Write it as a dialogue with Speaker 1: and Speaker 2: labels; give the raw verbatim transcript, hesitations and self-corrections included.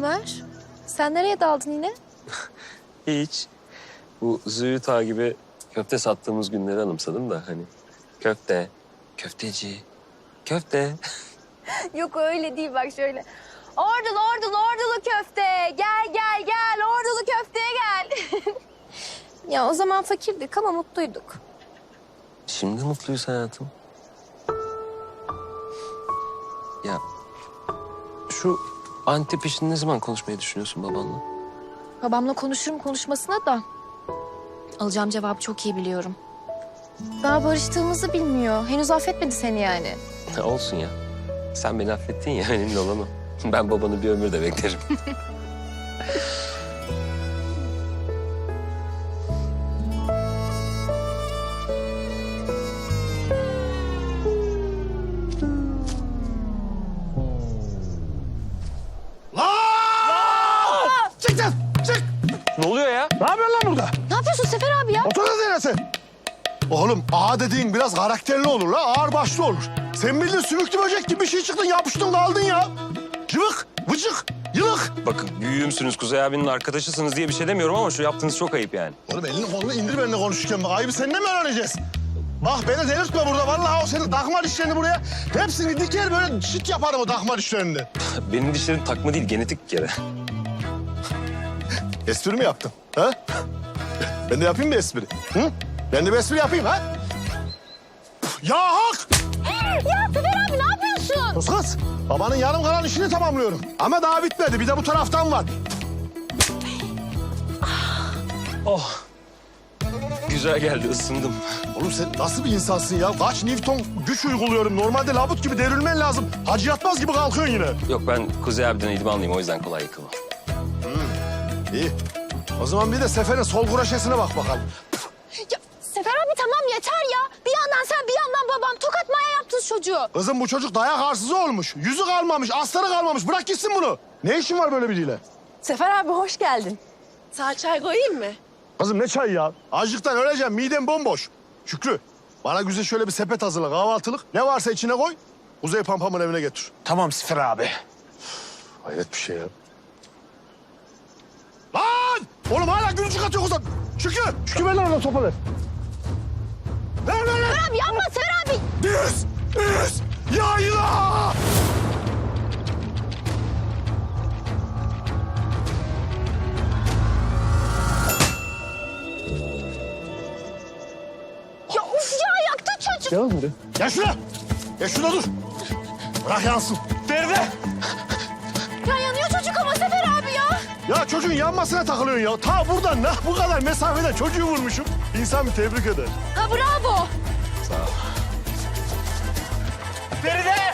Speaker 1: Ömer, sen nereye daldın yine?
Speaker 2: Hiç. Bu Züğüt Ağa gibi köfte sattığımız günleri anımsadım da hani. Köfte, köfteci, köfte.
Speaker 1: Yok öyle değil, bak şöyle. Ordulu, ordulu, ordulu köfte. Gel, gel, gel. Ordulu köfteye gel. Ya o zaman fakirdik ama mutluyduk.
Speaker 2: Şimdi mutluyuz hayatım. Ya şu Antep işini ne zaman konuşmayı düşünüyorsun babanla?
Speaker 1: Babamla konuşurum konuşmasına da. Alacağım cevabı çok iyi biliyorum. Daha barıştığımızı bilmiyor. Henüz affetmedi seni yani.
Speaker 2: Olsun ya. Sen beni affettin ya, önemli olan o. Ben babanı bir ömür de beklerim.
Speaker 3: Çık lan, çık!
Speaker 2: Ne oluyor ya?
Speaker 3: Ne yapıyorsun lan burada?
Speaker 1: Ne yapıyorsun Sefer abi ya?
Speaker 3: Otur lan sen. Oğlum ağa dediğin biraz karakterli olur la, ağır başlı olur. Sen bildiğin sümüklü böcek gibi bir şey çıktın, yapıştın kaldın ya. Cıvık, vıcık, yılık.
Speaker 2: Bakın büyüğümsünüz, Kuzey abinin arkadaşısınız diye bir şey demiyorum ama şu yaptığınız çok ayıp yani.
Speaker 3: Oğlum elini kolunu indir benimle konuşurken. Bak ayıbı seninle mi öğreneceğiz? Bak beni delirtme burada. Vallahi o senin takma dişlerini buraya. Hepsini diker böyle şit yaparım o takma dişlerini.
Speaker 2: Benim dişlerim takma değil, genetik bir kere.
Speaker 3: Espri mi yaptın? Ha? Ben de yapayım mı espri? Hı? Ben de bir espri yapayım ha? Ya hak!
Speaker 1: Ya Sefer abi ne yapıyorsun?
Speaker 3: Kız kız, babanın yarım kalan işini tamamlıyorum. Ama daha bitmedi. Bir de bu taraftan var.
Speaker 2: Oh. Güzel geldi, ısındım.
Speaker 3: Oğlum sen nasıl bir insansın ya? Kaç Newton güç uyguluyorum. Normalde labut gibi devrilmen lazım. Hacı yatmaz gibi kalkıyorsun yine.
Speaker 2: Yok, ben Kuzey abiden idmanlıyım, o yüzden kolay yıkılmam.
Speaker 3: İyi. O zaman bir de Sefer'in sol kuraşesine bak bakalım.
Speaker 1: Ya Sefer abi tamam yeter ya. Bir yandan sen bir yandan babam tokat maya yaptınız çocuğu.
Speaker 3: Kızım bu çocuk dayak arsızı olmuş. Yüzü kalmamış, astarı kalmamış. Bırak gitsin bunu. Ne işin var böyle biriyle?
Speaker 4: Sefer abi hoş geldin. Sağ çay koyayım mı?
Speaker 3: Kızım ne çay ya? Açlıktan öleceğim, midem bomboş. Şükrü, bana güzel şöyle bir sepet hazırla, kahvaltılık. Ne varsa içine koy, Kuzey Pampam'ın evine getir.
Speaker 5: Tamam Sefer abi.
Speaker 3: Hayret bir şey ya. Lan! Oğlum hala gülücük atıyor kızım. Şükrü, Şükrü ver lan ona topu ver. Ver, ver, ver.
Speaker 1: Sefer abi yapma Sefer abi.
Speaker 3: Düz, düz, yayla!
Speaker 1: Ya uf ya yaktı çocuk.
Speaker 3: Gel buraya. Gel şuna. Gel şuna dur. Bırak yansın. Feride.
Speaker 1: Ya yanıyor çocuk ama Sefer abi ya.
Speaker 3: Ya çocuğun yanmasına takılıyorsun ya. Ta buradan ne bu kadar mesafeden çocuğu vurmuşum. İnsan bir tebrik eder.
Speaker 1: Ha bravo.
Speaker 5: Feride!